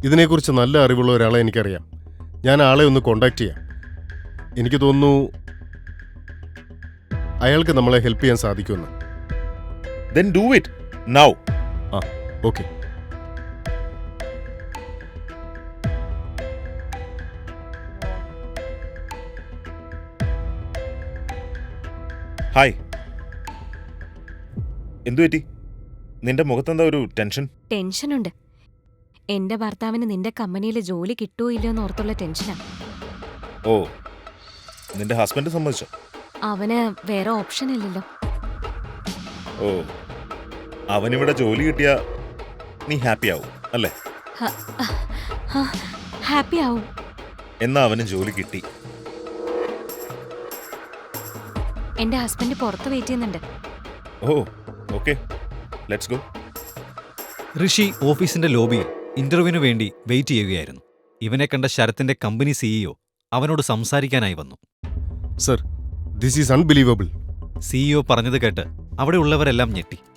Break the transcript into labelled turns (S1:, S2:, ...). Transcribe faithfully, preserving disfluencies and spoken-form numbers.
S1: ഇതിനെക്കുറിച്ച് നല്ല അറിവുള്ള ഒരാളെ എനിക്കറിയാം. ഞാൻ ആളെ ഒന്ന് കോണ്ടാക്ട് ചെയ്യാം. എനിക്ക് തോന്നുന്നു അയാൾക്ക് നമ്മളെ ഹെൽപ്പ് ചെയ്യാൻ സാധിക്കുമെന്ന്.
S2: Then do it now.
S1: ആ ഓക്കെ.
S2: ഹായ്. എന്തു പറ്റി? നിന്റെ മുഖത്തെന്താ ഒരു ടെൻഷൻ?
S3: ടെൻഷനുണ്ട്. എന്റെ ഭർത്താവിന് നിന്റെ കമ്പനിയിൽ ജോലി കിട്ടുമോ ഇല്ലയോ എന്നോർത്തുള്ള ടെൻഷനാ.
S2: ഓ, നിന്റെ ഹസ്ബൻഡ് സമ്മതിച്ചോ?
S3: അവന് വേറെ ഓപ്ഷൻ ഇല്ലല്ലോ.
S2: ഓ, അവനിവിടെ ജോലി കിട്ടിയാ നീ ഹാപ്പി ആവും അല്ലേ?
S3: ഹാപ്പി ആവും.
S2: എന്നാ അവന് ജോലി കിട്ടി.
S3: എന്റെ ഹസ്ബൻഡ് പുറത്ത് വെയിറ്റ് ചെയ്യുന്നുണ്ട്.
S2: Oh okay, let's go.
S4: Rishi ഓഫീസിന്റെ ലോബിയിൽ ഇന്റർവ്യൂവിന് വേണ്ടി വെയിറ്റ് ചെയ്യുകയായിരുന്നു. ഇവനെ കണ്ട ശരത്തിന്റെ കമ്പനി സിഇഒ അവനോട് സംസാരിക്കാനായി വന്നു.
S1: Sir, this is unbelievable.
S4: CEO പറഞ്ഞത് കേട്ട് അവിടെ ഉള്ളവരെല്ലാം ഞെട്ടി.